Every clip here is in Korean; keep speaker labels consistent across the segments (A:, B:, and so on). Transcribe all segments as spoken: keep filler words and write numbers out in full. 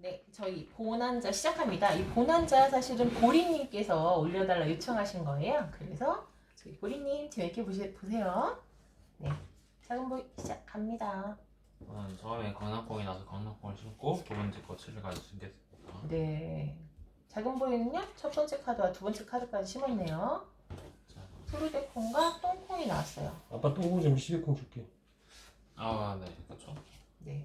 A: 네, 저희 보난자 시작합니다. 이 보난자 사실은 보리님께서 올려달라 요청하신 거예요. 그래서 저희 보리님 재밌게 보시, 보세요. 네, 작은 보이 시작합니다.
B: 저는 처음에 강낭콩이 나서 강낭콩을 심고 두 번째 거 칠일까지 심겠습니다.
A: 네, 작은 보이는요 첫 번째 카드와 두 번째 카드까지 심었네요.
B: 자,
A: 푸르데콩과 똥콩이 나왔어요.
C: 아빠 똥콩 좀 십이콩 줄게.
B: 아, 네, 그렇죠.
A: 네,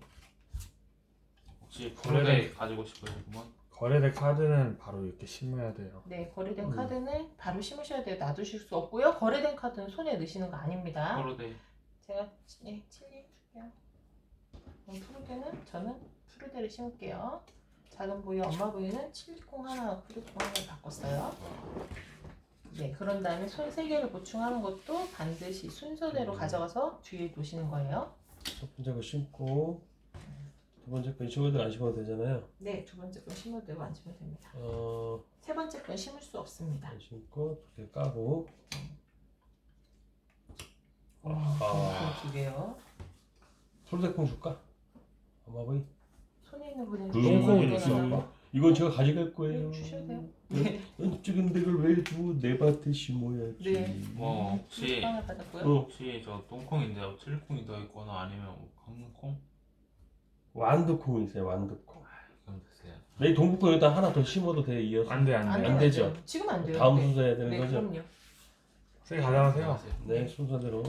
B: 혹시 푸르데 가지고 싶으시구먼?
D: 거래될 카드는 바로 이렇게 심어야 돼요.
A: 네 거래된
C: 음.
A: 카드는 바로 심으셔야 돼요. 놔두실 수 없고요. 거래된 카드는 손에 넣으시는 거 아닙니다.
B: 푸르데
A: 제가 네, 칠리 줄게요. 그럼 푸르데는 저는 푸르데를 심을게요. 작은 부위 엄마 부위는 칠리콩 하나, 푸르콩 하나 바꿨어요. 네, 그런 다음에 손 세 개를 보충하는 것도 반드시 순서대로 가져가서 뒤에 놓으시는 거예요.
C: 첫 번째 거 심고 두 번째 거 심어도 안 심어도 되잖아요.
A: 네, 두 번째 건 심어도 되고 안 심어도 됩니다.
C: 어,
A: 세 번째 건 심을 수 없습니다.
C: 안 심고 두 개 까고.
A: 음,
C: 아,
A: 두 개요.
C: 솔데콩 줄까? 엄마 보이.
A: 손에 있는 분은
C: 음,
D: 똥콩을
A: 네,
D: 줬어요.
A: 네,
C: 이건 제가 가져갈 거예요.
A: 네, 주셔도 돼요.
C: 찍은 데를 왜 주고 내 밭에 심어야지.
A: 네.
B: 뭐 혹시
A: 빵을 받았고요.
C: 어,
B: 혹시 저 똥콩인데 칠콩이 더 있거나 아니면 강낭콩?
C: 완두콩 있어요. 완두콩.
B: 그럼 드세요.
C: 내 동북콩 여기다 하나 더 심어도 돼. 이어서.
D: 안 돼, 안
A: 안
D: 돼.
A: 돼요,
C: 안 되죠?
A: 돼요. 지금 안 돼요.
C: 다음
A: 네.
C: 순서 해야 되는
A: 네,
C: 거죠?
A: 그럼요.
D: 세 가져가세요.
C: 네, 순서대로.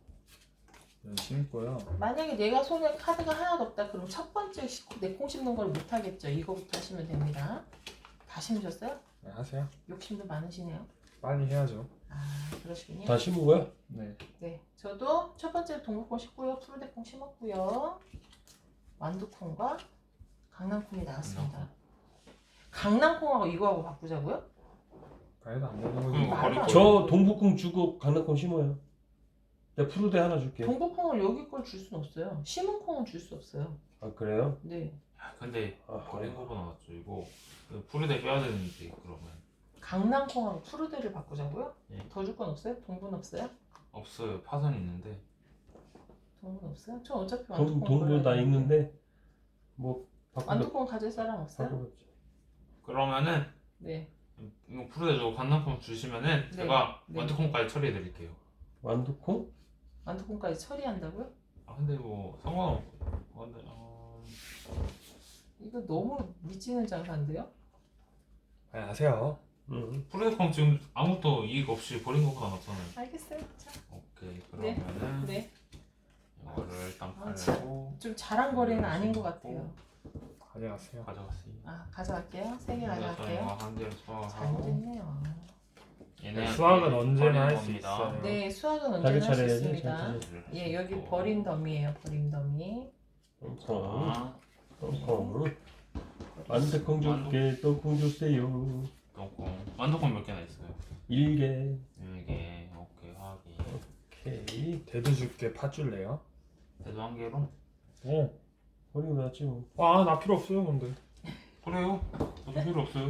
D: 네, 심고요.
A: 만약에 내가 손에 카드가 하나도 없다 그럼 첫 번째 내콩 씹는 걸 못 하겠죠. 이거부터 하시면 됩니다. 다 심으셨어요?
D: 네, 하세요.
A: 욕심도 많으시네요.
D: 빨리 해야죠.
A: 아 그러시군요.
C: 다 심은 거야?
D: 네.
A: 네, 저도 첫 번째 동물콩 심고요, 푸르데콩 심었고요, 완두콩과 강낭콩이 나왔습니다. 강낭콩하고 이거하고 바꾸자고요?
D: 그래도 안 되는
B: 그럼
D: 거지.
A: 말-
B: 버릴
A: 저-
B: 거예요.
C: 저 동북콩 주고 강낭콩 심어요. 내가 푸르데 하나 줄게.
A: 동북콩을 여기 걸 줄 수는 없어요. 심은 콩은 줄 수 없어요.
C: 아 그래요?
A: 네,
B: 야, 근데
C: 아하.
B: 버린 거보다 낫죠. 이거 그 푸르데 빼야 되는데 그러면
A: 강낭콩하고 푸르데를 바꾸자고요?
B: 예.
A: 더 줄 건 없어요? 동분 없어요?
B: 없어요. 파선 있는데
A: 동분 없어요? 저 어차피
C: 동,
A: 완두콩
C: 동부
A: 걸어야
C: 다
A: 되는데.
C: 있는데 뭐 바꾸자.
A: 완두콩 가질 사람 없어요?
C: 바꾸자.
B: 그러면은
A: 네.
B: 이거 푸르데 주고 강낭콩 주시면은
A: 네.
B: 제가
A: 네.
B: 완두콩까지 처리해 드릴게요.
C: 완두콩?
A: 완두콩까지 처리한다고요?
B: 아 근데 뭐 상관없어요. 근데 어...
A: 이거 너무 미치는 장사인데요?
D: 빨리 하세요.
C: 응.
B: 푸르데콩 지금 아무것도 이익 없이 버린 것보다 낫잖아요.
A: 알겠어요. 자,
B: 오케이
A: 네.
B: 그러면은
A: 네.
B: 이거를 일단
A: 아, 참.
B: 팔고
A: 좀 잘한 거래는 아닌 것 같아요.
D: 가져가세요.
B: 가져갔어요.
A: 아, 가져갈게요. 세 개 가져갈게요.
B: 이거 한 개를 수확을 하고
A: 잘못했네요.
B: 얘네한테
D: 수학은 언제나
B: 버리는
D: 할 수
B: 겁니다.
D: 있어요.
A: 네, 수학은
C: 자기
A: 언제나 할 수
C: 차례 해야지.
A: 있습니다.
C: 자기 차례.
A: 예, 여기 버린 더미예요. 버린 더미.
C: 똥콩.
B: 자,
C: 똥콩. 완두콩 줄게. 똥콩 주세요.
B: 똥콩 완두콩 몇 개나 있어요?
C: 일개.
B: 이게 오케이 확인.
C: 오케이.
D: 대두 줄게 파 줄래요?
B: 대도 한 개로?
D: 오.
C: 버리고 놨지 뭐.
D: 아, 나 필요 없어요, 근데.
B: 그래요? 저도 필요 없어요.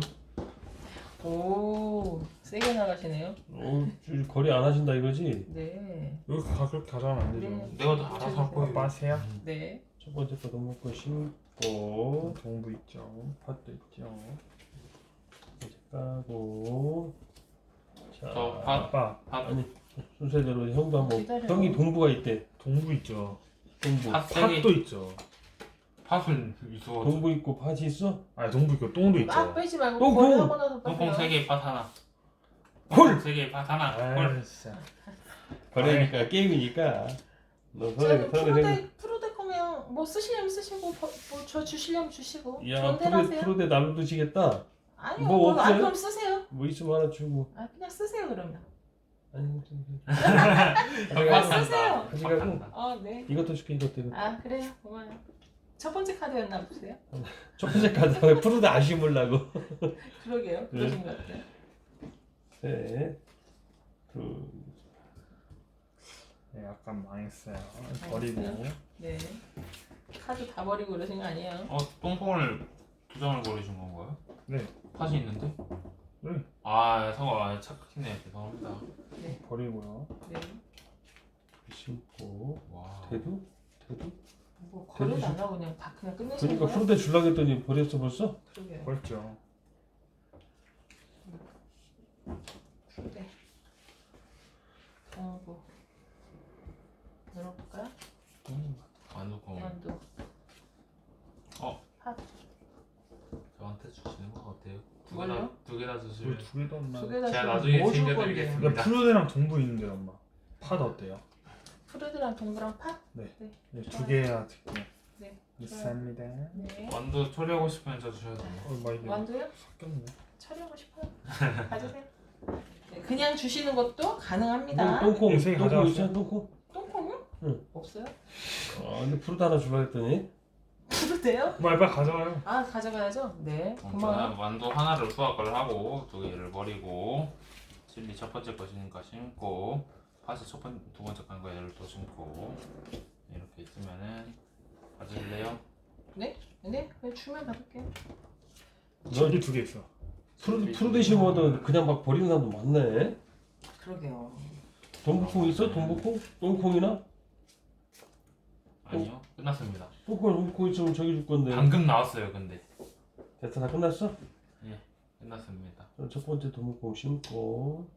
A: 오, 세게 나가시네요.
C: 어, 줄- 거리 안 하신다 이거지?
A: 네,
D: 여기 가, 그렇게 가져가면 안 되죠.
A: 네.
B: 내가 다 알아서 할 거예요.
D: 빠세요.
A: 네.
C: 첫 번째 거 동북콩 심고
D: 동부 있죠. 팥도 있죠.
C: 이제 까고. 자,
B: 저 팥.
D: 아빠,
B: 팥,
C: 아니 순서대로 형도 한번.
A: 기다려요.
C: 형이 동부가 있대.
D: 동부 있죠.
C: 동부.
B: 팥 세 개.
D: 팥도 있죠.
B: 팥을 있어.
C: 동부 있고 팥이 있어?
D: 아니, 동부 있고 똥도 있죠.
A: 아, 빼지 말고
C: 똥콩!
A: 거리 하고 나서
B: 똥콩
A: 빼세요.
B: 세 개, 팥 하나.
C: 헐!
B: 세 개, 팥 하나.
D: 아,
B: 헐.
D: 진짜.
C: 거래니까 게임이니까. 너
A: 저는
C: 선에 선에
A: 프로데 프로데 커면 뭐 쓰시려면 쓰시고 뭐 저 주시려면 주시고
C: 야
A: 좋은 대로
C: 프로
A: 하세요.
C: 프로대 날로 드시겠다.
A: 아니요,
C: 뭐
A: 뭐, 아
C: 없어요?
A: 그럼 쓰세요.
C: 뭐 있으면 하나 주고.
A: 아 그냥 쓰세요 그러면.
C: 아니 좀.
B: 팥
C: 가져가고.
B: 한다.
C: 가져가고.
B: 팥 한다.
A: 아 네.
C: 이것도 줄게 이것도 이거.
A: 아 그래요 고마워요. 첫 번째 카드였나 보세요.
C: 첫 번째 카드 프로대 안 심으려고.
A: 그러게요. 그러신 것 같아요.
C: 셋, 둘,
D: 네, 약간 망했어요. 버리고.
A: 네. 카드 다 버리고 그러신 거 아니에요?
B: 어, 똥콩을 두 장을 버리신 건가요?
D: 네.
B: 팥이 있는데?
D: 네.
B: 아, 성아, 아, 착각했네. 죄송합니다.
D: 버리고요.
A: 네.
C: 심고.
B: 와.
C: 대두? 대두?
A: 뭐 거래도 안 하고 그냥 다 그냥 끝내시는
C: 그러니까
A: 거예요?
C: 푸르대 줄라 했더니 버렸어 벌써?
A: 그러게요.
D: 벌죠.
A: 푸르대. 동부. 열어볼까요?
B: 완두콩
A: 완두.
B: 어?
A: 팥.
B: 저한테 주시는 건 어때요? 두
A: 뭘요?
B: 개다 두 개 다 주시면
D: 우리 두 개도 없나?
A: 두 개 다
B: 제가
A: 주면
B: 나중에
A: 뭐 줄
B: 챙겨드리겠습니다.
A: 건데?
D: 야 푸르대랑 동부 있는데 엄마. 팥 어때요?
A: 푸르드랑 동부랑 팥?
D: 네,
A: 좋아요.
D: 두 개야 드릴게요.
A: 네.
D: 감사합니다.
A: 네.
B: 완두 처리하고 싶으면 저 주셔도 돼요.
D: 어, 막 이게
A: 완두요?
D: 섞였네.
A: 처리하고 싶어요. 가지세요. 네, 그냥 주시는 것도 가능합니다.
C: 똥- 똥콩
D: 네, 세개
C: 똥콩
D: 가져왔어요?
C: 있잖아 똥콩.
A: 똥콩요?
C: 응.
A: 없어요?
C: 아 근데 푸르대 하나 줄라 했더니
A: 푸르대요?
D: 엄마 빨리 가져가요.
A: 아 가져가야죠. 네.
B: 그럼
A: 고마워요.
B: 저는 완두 하나를 수확을 하고 두 개를 버리고 칠리 첫 번째 것이니까 심고 팥이 첫 번, 두 번째 건 얘를 또 심고 이렇게 있으면은 가질래요?
A: 네? 네? 그냥 주면 받을게요.
D: 저기 두 개 있어.
C: 푸르 푸르대 심어도 그냥 막 버리는 사람도 많네.
A: 그러게요.
C: 동북콩 있어? 동북콩? 똥콩이나?
B: 아니요 끝났습니다.
C: 똥콩 동북콩 있으면 저기 줄 건데.
B: 방금 나왔어요 근데
C: 됐어 다 끝났어?
B: 끝났습니다.
C: 그럼 첫 번째 동북콩 심고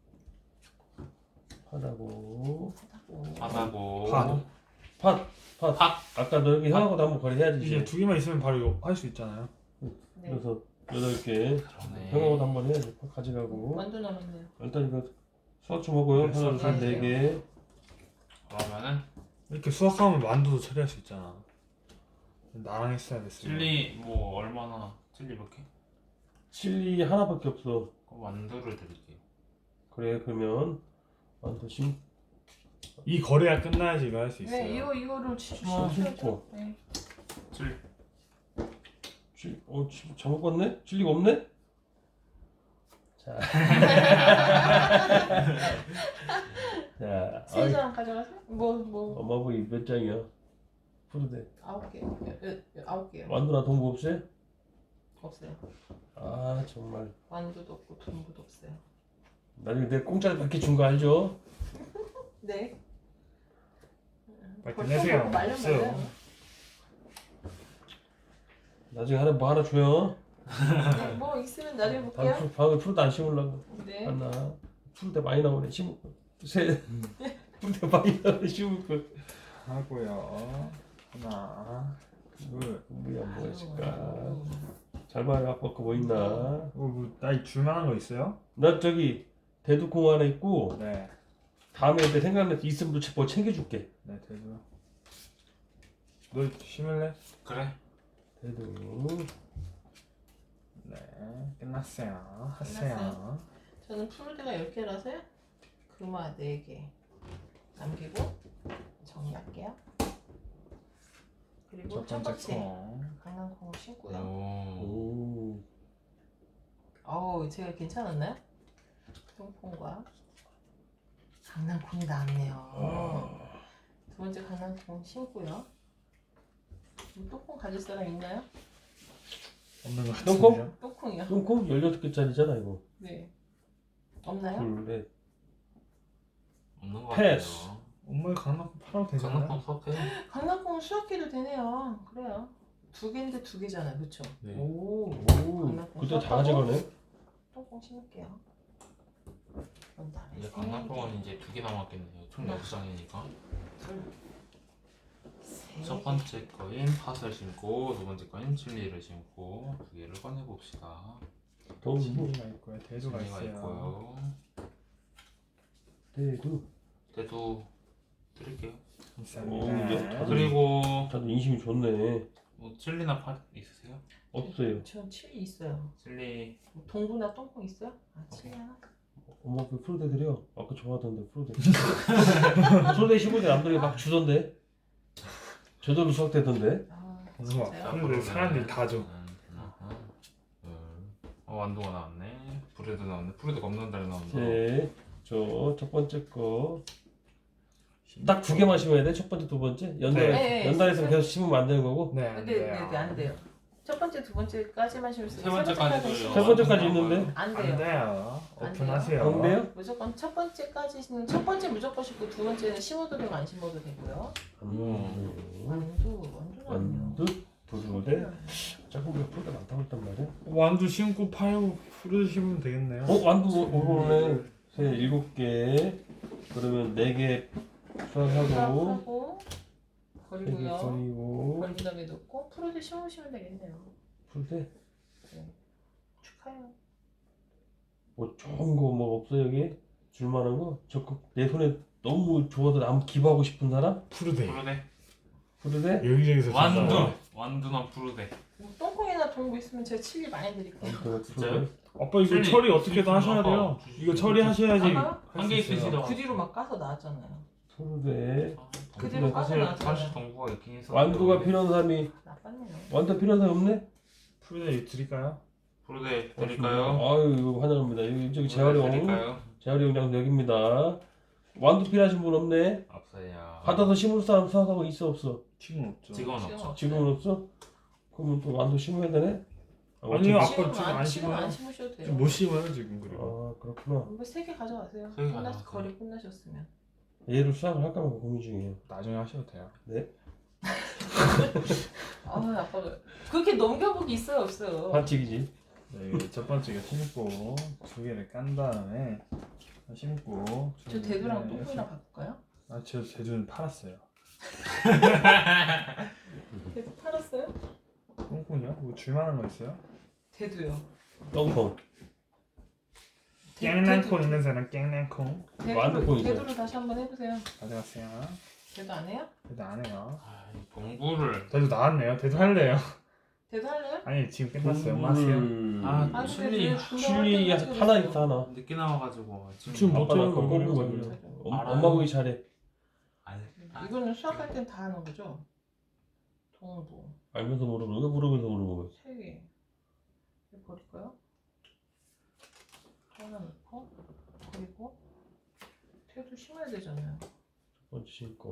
C: 팥하고
B: 팥하고
D: 팥.
C: 팥! 팥!
B: 팥.
C: 아까 너 여기 형하고도 한번 거래해야지
D: 이제
C: 이제.
D: 두 개만 있으면 바로 이거 할 수 있잖아요.
A: 네.
C: 그래서 여덟 개
B: 그러네.
C: 형하고도 한번 해야지. 팥 가져가고
A: 완두 남았네요.
C: 일단 이거 수학 좀 하고요.
D: 네,
C: 하나
A: 수학
C: 둘네 개.
B: 그러면은
D: 이렇게 수확하면 만두도 처리할 수 있잖아. 나랑 했어야 됐어.
B: 칠리 뭐 얼마나 칠리 몇 개?
C: 칠리 하나밖에 없어.
B: 그럼 완두를 드릴게요.
C: 그래 그러면 완두 심
D: 이 거래가 끝나야지 이거 할 수 있어요.
A: 네, 이거 이거를 치-
C: 아,
A: 주셔야죠.
C: 심고.
A: 네.
B: 칠리
C: 칠, 어, 칠, 잘못 봤네? 칠리가 없네? 자. 자,
A: 세
C: 아이,
A: 장 가져가세요? 뭐 뭐
C: 엄마 보기 몇 장이야? 푸르대.
A: 아홉 개. 여- 여- 여- 아홉 개요.
C: 완두나 동부 없어요?
A: 없어요.
C: 아 정말.
A: 완두도 없고 동부도 없어요.
C: 나중에 내가 공짜로 밖에 준 거 알죠?
A: 네.
D: 빨리
A: 벌써
D: 끝내세요.
A: 먹고 말려
D: 없어요.
A: 말려요.
C: 나중에 하나 뭐 하나 줘요.
A: 네, 뭐 있으면 나중에
C: 다음
A: 볼게요.
C: 푸- 다음에 푸르대 안 심으려고.
A: 네.
C: 하나. 푸르대 많이 나오네. 심을 거. 세. 푸르대 많이 나오네. 심을 거.
D: 하고요. 하나, 둘.
C: 뭐야 뭐
A: 아유,
C: 있을까?
A: 아유.
C: 잘 봐요. 아빠 거 뭐 있나?
D: 어, 뭐, 나이 줄만한 거 있어요?
C: 나 저기 대두콩 하나 있고
D: 네.
C: 다음에 내 생각나서 있으면 또 뭐 챙겨줄게.
D: 네, 대두. 너 심을래?
B: 그래.
C: 대두.
D: 네, 끝났어요. 하세요.
A: 끝났어요. 저는 푸르드가 열 개라서요. 금화 네 개 남기고 정리할게요. 그리고
D: 첫
A: 첫
D: 번째
A: 번째
D: 콩.
A: 강낭콩을 심고요.
B: 오.
C: 오.
A: 어우 제가 괜찮았나요? 똥콩과 강낭콩이 나왔네요. 두 번째 강낭콩 심고요. 음, 똥콩 가질 사람 있나요?
D: 없는 거
C: 똥콩?
D: 같은데요?
A: 똥콩이요.
C: 똥콩 열여덟 개짜리잖아 이거.
A: 네. 없나요?
C: 둘, 넷.
B: 없는 것
C: 패스.
B: 같아요.
D: 엄마 강낭콩 팔아도 되잖아요.
B: 강낭콩 수확해요.
A: 강낭콩은 수확해도 되네요. 그래요. 두 개인데 두 개잖아요, 그렇죠?
B: 네.
C: 오. 오.
A: 강낭콩
C: 그때 다
A: 섞어서?
C: 가져가네.
A: 똥콩 심을게요. 그런 다음에
B: 이제
A: 세
B: 강낭콩은 이제 두 개 남았겠네요. 총 여섯 장이니까.
A: 개, 둘, 세
B: 첫
A: 개.
B: 번째 거인 팥을 심고 두 번째 거인 칠리를 심고 두 개를 꺼내 봅시다.
C: 동부.
D: 칠리가 있고요. 대두가
B: 칠리가
D: 있어요.
B: 있고요.
C: 대두.
B: 대두 드릴게요.
C: 오,
D: 감사합니다.
C: 여-
B: 그리고
C: 다들 인심이 좋네.
B: 뭐 칠리나 팥 있으세요?
C: 없어요.
A: 전 칠리 있어요.
B: 칠리
A: 동부나 똥콩 있어요? 아, 칠리 하나?
C: 엄마 그 푸르대 드려. 아까 좋아하던데 푸르대. 푸르대 심을 때 남들이 막 주던데. 저절로 수확되던데.
A: 아,
D: 우와.
A: 진짜요?
D: 근데 사람들이 다 줘.
B: 하나, 둘. 어 완두가 나왔네. 브레드 나왔네. 브레드가 없는 달에 나온다.
C: 네. 저 첫 번째 거. 딱 두 개만 심어야 돼? 첫 번째, 두 번째? 연달,
A: 네.
C: 연달에서 계속 심으면 안 되는 거고?
D: 네, 안
A: 네, 네,
D: 돼요.
A: 네, 안 돼요. 첫 번째, 두 번째까지만 심을 수
B: 세 번째까지도
A: 심으면
C: 세 번째까지 있는데?
A: 안
D: 안
A: 돼요.
D: 돼요.
A: 안
D: 오픈하세요.
C: 안 돼요?
A: 무조건 첫 번째까지는 첫 번째 무조건 심고 두 번째는 심어도 되고 안 심어도 되고요.
C: 음.
A: 완두, 완두는 아니에요.
C: 완두 부르대. 자꾸 우리가 프로가 많다고 했단 말이야.
D: 완두 심고 팔고 프루데 심으면 되겠네요.
C: 어 완두 오늘에 세 일곱 개. 그러면 네 개 수확하고
A: 수확하고
C: 세 개
A: 버리고요.
C: 버리고
A: 버린 다음에 넣고 프로데 심으시면 되겠네요.
C: 풀대.
A: 축하해요.
C: 뭐 좋은 거 뭐 없어 여기? 줄만한 거? 적극 내 손에 너무 좋아서 나무 기부하고 싶은 사람?
D: 프루데.
B: 푸르데.
C: 풀대?
D: 여기저기서
B: 완두.
D: 준다고.
B: 완두나 푸르데.
A: 뭐 똥콩이나 동부 있으면 제가 칠리 많이 드릴게요.
B: 진짜요?
D: 아빠 이거
B: 칠리,
D: 처리 어떻게든
B: 칠리
D: 하셔야
B: 아빠
D: 돼요.
B: 주시죠.
D: 이거 처리하셔야지.
A: 아마
B: 한 개 있으시다.
A: 그 뒤로 막 까서 나왔잖아요.
C: 풀대.
A: 그대로 까서
B: 사실
A: 나왔잖아요.
B: 사실 동부가 있긴 있어.
C: 완두가 필요한 사람이
A: 나빴네요.
C: 완두 필요한 사람 없네?
D: 프루데 이거 드릴까요?
B: 푸르데 드릴까요?
C: 아유 이거 환영합니다. 여기 저기 재활용
B: 드릴까요?
C: 재활용 장소 여기입니다. 완두 필요하신 분 없네?
B: 없어요.
C: 받아서 심을 사람 수확하고 있어 없어?
D: 지금 없죠.
B: 지금은
A: 지금
B: 없죠.
A: 없어요.
C: 지금은 없어? 그러면 또 완두 심어야 되네? 아,
D: 아니요,
C: 어차피-
D: 아빠 지금 안
A: 지금 안
D: 심어요.
A: 심으셔도 돼요.
D: 지금 못 심어요 지금 그리고.
C: 아 그렇구나.
A: 뭐세 개 가져가세요.
B: 세개
A: 끝났
B: 가져가세요.
A: 거리 끝나셨으면.
C: 얘를 수확을 할까 말까 고민 중이에요.
D: 나중에 하셔도 돼요.
A: 아 아빠가 그렇게 넘겨보기 있어요 없어요.
C: 반칙이지.
D: 네, 이거 첫 번째가 심고 두 개를 깐 다음에 심고.
A: 저 대두랑 똥콩이랑 바꿀까요?
D: 아저 대두는 팔았어요.
A: 대두 팔았어요?
D: 똥콩이요? 뭐 줄만한 거 있어요?
A: 대두요.
C: 똥콩.
D: 깽난콩 있는 사람 깽난콩
C: 완두
A: 대두를,
C: 콩이죠.
A: 대두를 다시 한번 해보세요.
D: 가져갔어요.
A: 대두 안 해요?
D: 대두 안 해요.
B: 아, 이 동부를.
D: 대두 나왔네요. 대두 할래요.
A: 대두 할래요?
D: 아니 지금 끝났어요. 엄마 하세요.
C: 음...
B: 아,
A: 아니
B: 칠리.
A: 근데
C: 칠리 하나 있어 하나.
B: 늦게 나와가지고
D: 지금 못
C: 아빠가
D: 해요,
C: 그거
D: 그걸.
C: 뽑은 거지. 엄-
B: 알아요.
C: 엄마 보기 잘해.
B: 아니,
A: 이거는 수학할 땐 다 하는 거죠? 동부
C: 알면서 모르는 거 모르면서 모르는 거.
A: 세 개. 이거 버릴까요? 하나 넣고 그리고 태도 심어야 되잖아요.
C: 첫 번째 심고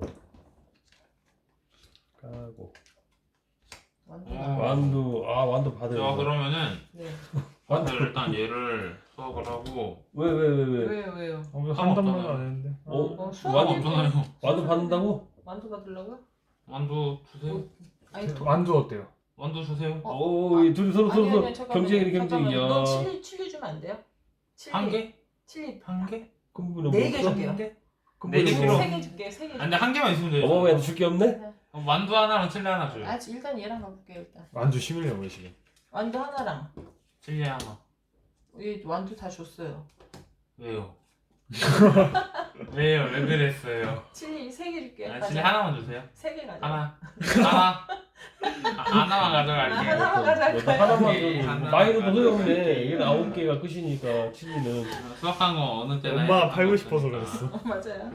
C: 까고
A: 완두.
B: 어.
C: 완두 아 완두 받아요.
B: 자 그러면은
A: 네.
B: 완두 일단 얘를 수확을 하고.
C: 왜 왜 왜 왜?
A: 왜요 왜요?
D: 어, 한
B: 상관없잖아요.
D: 단만 안 했는데.
C: 어?
A: 어, 수학
C: 완두
B: 없잖아요.
C: 완두 받는다고?
A: 완두 받으려고요?
B: 완두 주세요.
A: 아니 도...
D: 완두 어때요?
B: 완두 주세요.
A: 어?
C: 오, 이 둘이 서로 서로
A: 아니
C: 서로
A: 아니 잠깐만요.
C: 경쟁이네 경쟁이야.
A: 잠깐만요. 너 칠리 칠리 주면 안 돼요? 칠리.
B: 한 개?
A: 칠리
B: 한 개?
C: 금분은
A: 네 개
C: 뭐
A: 줄게요.
B: 한 개?
C: 금분은
B: 네 개
C: 뭐
B: 필요.
A: 세개 줄게 세 개.
B: 아니 근데 한 개만 있으면 돼요.
C: 어머니한테 줄 게 없네?
B: 어, 만두 하나랑 칠리 하나 줘요.
A: 아 일단 얘랑 가볼게요 일단.
D: 완두 심으려고요 지금.
A: 완두 하나랑
B: 칠리 하나.
A: 이 완두 다 줬어요.
B: 왜요? 왜요? 왜 그랬어요?
A: 칠리 세 개 줄게요.
B: 아, 칠리 하나만 주세요.
A: 세개 가져.
B: 하나. 하나. 아, 하나만 가져갈게요.
A: 하나만 가져갈까요?
C: 너 하나만
B: 오케이,
C: 줘.
B: 하나.
C: 마이너도 소용없네. 얘는 아홉 개가 끝이니까 칠리는.
B: 수확한 거 어느 때나
D: 엄마가
B: 했었던
D: 팔고
B: 거
D: 싶어서
B: 있으니까.
D: 그랬어.
A: 어, 맞아요.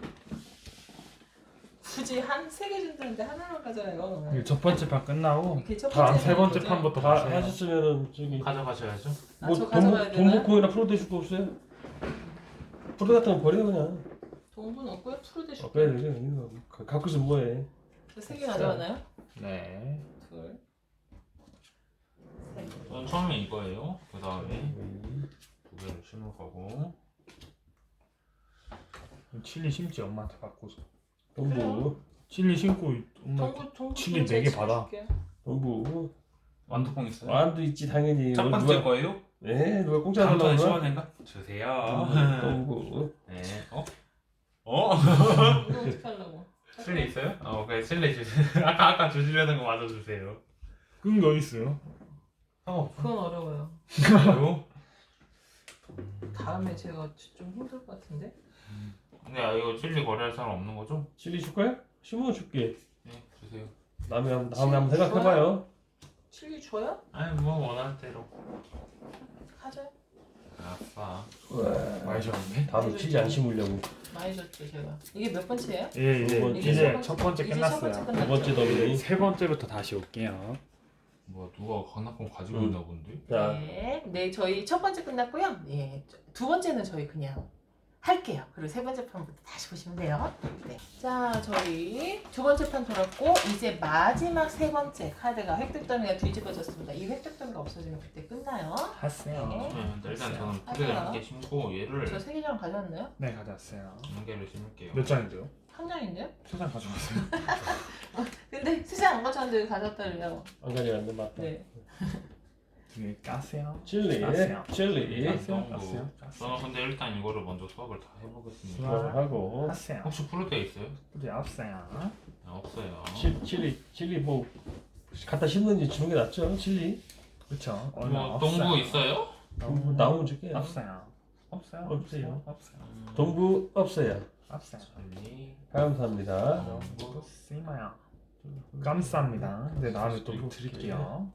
A: 굳이 한 세 개 준다는데 하나만 가져가요.
D: 이거 첫 번째 판 끝나고
A: 이렇게 첫
D: 다음
A: 번째
D: 세 번째
A: 거죠?
D: 판부터
C: 다
D: 가세요.
C: 하셨으면은 저기
B: 가져가셔야죠.
A: 아,
C: 뭐
A: 저 가져가야
C: 동부
A: 되나요?
C: 동부콩이나 프로데 줄거 없어요? 프로데 같은 거 버려 그냥.
A: 동분 없고요. 푸르데
C: 아,
A: 줄게요.
C: 그래 그래. 이거 가- 갖고 있으면 뭐해?
A: 세개 가져가나요?
D: 네.
A: 둘. 셋.
B: 저는 처음에 이거예요. 그 다음에 두 개를 심을 거고.
D: 칠리 심지 엄마한테 바꿔서.
C: 동부
D: 칠리 심고 엄마
A: 동부 동부
D: 칠리 네개 받아.
A: 줄게요.
C: 동부
B: 완두콩 있어요?
C: 완도 있지 당연히.
B: 첫
C: 뭐
B: 번째
C: 누가-
B: 거예요?
C: 네 누가 공짜
B: 다음
C: 달라고
B: 번에
C: 그러나?
B: 시원한가? 주세요.
C: 동부.
B: 네. 어? 어?
A: 이거 어떻게 하려고?
B: 칠리 있어요? 어, 그래 칠리 주세요. 아까 아까 주시려는 거 마저 주세요.
D: 끈 거 있어요?
B: 어,
A: 그건 어려워요.
B: 그래요?
A: 다음에 제가 좀 힘들 것 같은데.
B: 근데 아, 이거 칠리 거래할 사람 없는 거죠?
C: 칠리 줄 거야? 심어 줄게.
B: 네, 주세요.
C: 다음에 한- 다음에 한번 생각해봐요.
A: 칠리 줘요?
B: 아니 뭐 원하는 대로.
A: 하자.
B: 아싸.
D: 많이 줬네.
C: 다음에 칠리 안 심으려고.
A: 많이 줬죠 제가. 이게 몇 번째예요?
D: 예, 이제
C: 두 번째.
D: 이제 첫 번째
A: 이제 첫
D: 끝났어요.
A: 번째
C: 두
A: 끝났죠?
C: 번째 더블이.
D: 세 번째부터 다시 올게요.
B: 뭐 누가 강남권 가지고
C: 응.
B: 있나 본데?
C: 자
A: 네, 네 저희 첫 번째 끝났고요. 네, 두 번째는 저희 그냥 할게요. 그리고 세 번째 판부터 다시 보시면 돼요. 네. 자, 저희 두 번째 판 돌았고 이제 마지막 세 번째 카드가 획득 더미가 뒤집어졌습니다. 이 획득 더미가 없어지면 그때 끝나요.
D: 하세요.
A: 네.
B: 네, 일단 저는
A: 하세요.
B: 푸대를 한 개 심고 얘를
A: 저 세 개장 가져왔나요?
D: 네, 가져왔어요.
B: 한 개를 심을게요.
D: 몇 장인데요?
A: 한 장인데요?
D: 세 장 가져왔어요.
A: 근데 세 장 안 가져왔는데 가져왔다래요.
C: 안 가져갔는데 맞다.
A: 네.
D: 두 개 까세요.
C: 칠리,
D: 까세요.
C: 칠리.
D: 까세요.
B: 정도.
D: 까세요.
B: 저는 근데 일단 이거를 먼저 수업을 다 해보겠습니다.
D: 좋아.
C: 하고
D: 하세요.
B: 혹시 푸르대 있어요?
D: 이제 없어요.
B: 아, 없어요.
C: 칠, 칠리, 칠리 뭐 갖다 심는지 주는 게 낫죠? 칠리.
D: 그렇죠.
B: 뭐 동부 있어요?
C: 동부 나오면 줄게요.
D: 없어요. 없어요.
C: 없어요.
D: 없어요.
B: 음,
C: 동부 없어요.
D: 없어요.
B: 찰리.
C: 감사합니다.
D: 동부 심어요. 감사합니다. 네, 다음에 또 드릴게요.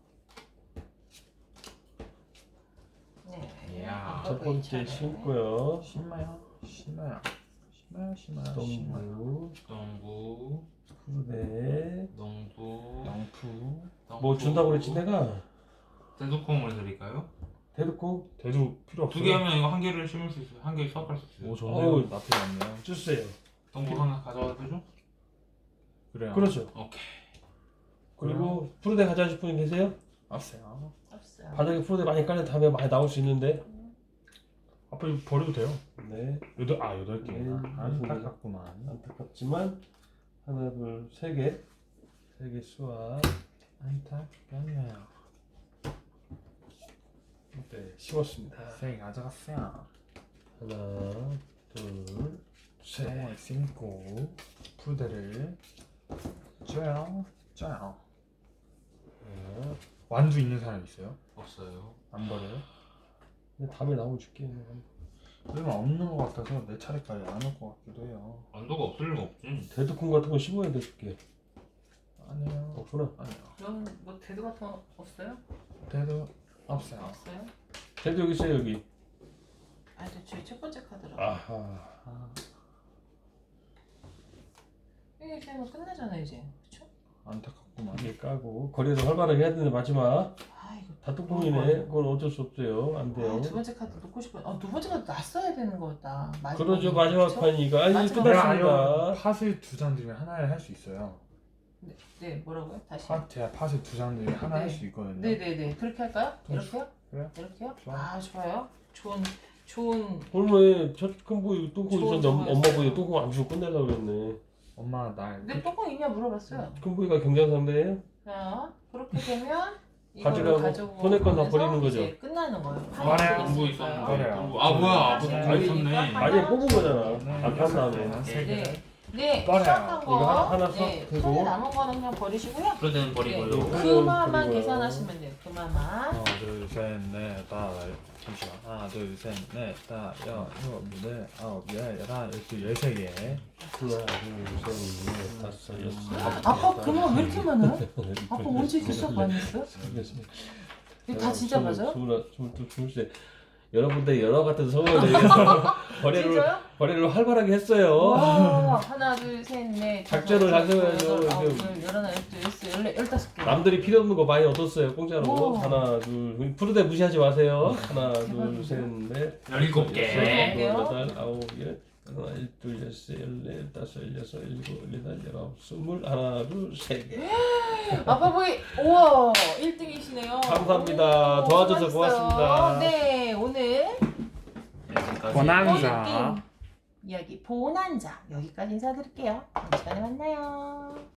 A: 네.
B: 이야.
C: 첫 번째 심고요.
D: 심어요. 심어요. 심어요. 심어요. 심어요.
C: 동부,
B: 동부,
C: 푸대.
B: 동부,
D: 영푸.
C: 뭐 준다고 그랬지 내가?
B: 대두콩을 드릴까요?
C: 대놓고
D: 대두 필요 없어요.
B: 두 개 하면 이거 한 개를 심을 수 있어요. 한 개 수확할 수 있어요.
D: 오,
C: 어우.
D: 좋네요. 나쁘지 않네요.
C: 주세요.
B: 동부 하나 가져와도 되죠?
D: 그래요.
C: 그렇죠.
B: 오케이.
C: 그리고 푸르대 가져가실 분 계세요?
D: 없어요.
A: 없어요.
C: 바닥에 푸르대 많이 깔린 다음에 많이 나올 수 있는데.
D: 아빠 이거 버려도 돼요.
C: 네.
D: 여덟 아 여덟 개.
C: 네,
D: 안타깝구만.
C: 안타깝지만 하나, 둘, 세 개. 세 개 수확.
D: 안타깝네요.
C: 네, 심었습니다.
D: 세 가져갔어요.
C: 하나, 둘, 셋.
D: 세 심고 푸대를 줘요. 줘요.
C: 하나.
D: 완두 있는 사람 있어요?
B: 없어요.
D: 안 버려요?
C: 근데 다음에 나오면 줄게.
D: 그러면 없는 것 같아서 내 차례까지 안 올 것 같기도 해요.
B: 안도가 없을 리가 없지.
C: 대두콩 같은 거 심어야 돼 줄게.
D: 아니요.
C: 없구나.
D: 아니요.
A: 그럼 뭐 대두 같은 거 없어요?
D: 대두 없어요.
A: 없어요?
C: 대두 여기 있어요 여기.
A: 아, 저 저희 첫 번째 카드라.
C: 아하.
D: 아,
A: 이게 되면 끝나잖아 이제. 그렇죠?
D: 안타깝구만.
C: 이게 까고 거리를 활발하게 해야 되는데 마지막
A: 아, 이거
C: 다 뚜껑이네. 그건 어쩔 수 없어요. 안 돼요.
A: 아, 두 번째 카드 놓고 싶어. 아, 두 번째 카드 놨어야 되는 거였다. 마지막에.
C: 그러죠. 마지막
A: 그쵸?
C: 판이니까. 아니
A: 마지막
D: 내가
C: 끝났습니다.
D: 아니요. 팟을 두 장 들면 하나를 할 수 있어요.
A: 네, 네, 뭐라고요? 다시.
D: 팟 제가 팟을 두 장 들면 하나
A: 네.
D: 할 수 있거든요.
A: 네, 네, 네. 그렇게 할까요? 이렇게요?
D: 그래요?
A: 이렇게요?
D: 좋아.
A: 아, 좋아요. 좋은 좋은
C: 오늘 첫큰 보이 뚜껑
A: 좋은
C: 있었는데 엄- 엄마
A: 정보였어요.
C: 보이 뚜껑 안 주고 끝내려고 그랬네.
D: 엄마 날
A: 내 뚜껑 있냐 물어봤어요.
C: 큰 보이가 경쟁 상대예요?
A: 자, 그렇게 되면 이거를
C: 가져가고
A: 가지고
C: 손에 건다
A: 가면서
C: 버리는 거죠?
A: 이제 끝나는 거예요.
D: 버려요.
B: 동부 있었는데.
D: 버려요.
B: 동부. 아 뭐야? 아,
A: 네.
B: 다 있었네.
C: 아니 뽑은 거잖아.
D: 네,
C: 아까 한 다음에.
D: 세 개.
A: 네. 네,
D: 버려요.
A: 수확한 거.
C: 이거 하나- 하나
A: 네,
C: 수확 되고.
A: 손에 남은 거는 그냥 버리시고요.
B: 푸르대는 버리고요.
C: 네.
A: 그마만
C: 그리고요.
A: 계산하시면 돼요. 그마만.
D: 하나 둘셋넷 다섯 잠시만 하나 둘셋넷 다섯 여섯 일곱 여덟 아홉 열 열하나 열두 열세 개.
C: 하나, 둘, 셋, 넷, 다섯, 여섯.
A: 아빠 그마 왜 이렇게 많아요? 아빠 언제 이렇게 수확 많이 했어요?
C: 알겠습니다.
A: 이거 다 진짜 맞아요?
C: 스물, 스물두, 스물세. 여러분들 여러 같은 성을 내서 거래를
A: 진짜요?
C: 거래를 활발하게 했어요.
A: 와, 하나, 둘, 셋, 넷,
C: 작전을
A: 다섯,
C: 잘
A: 여섯,
C: 세워야죠.
A: 여덟, 아홉,
C: 이제.
A: 열, 열하나, 열둘, 열세, 열네, 열다섯 개.
C: 남들이 필요 없는 거 많이 얻었어요. 공짜로.
A: 오.
C: 하나, 둘, 푸르대 무시하지 마세요. 하나, 둘,
A: 대박이다.
C: 셋, 넷,
B: 열일곱 개.
C: 여섯,
A: 개요?
C: 여덟, 아홉, 열, 하나, 둘, 열세, 열네, 다섯, 여섯, 일곱, 여덟, 열아홉, 스물, 하나, 둘, 세 개.
A: 아빠 보이, 우와, 일 등이시네요.
C: 감사합니다. 도와줘서 고맙습니다.
A: 네, 오늘
B: 여기까지.
D: 보난자.
A: 게임 이야기 보난자 여기까지 인사드릴게요. 다음 시간에 만나요.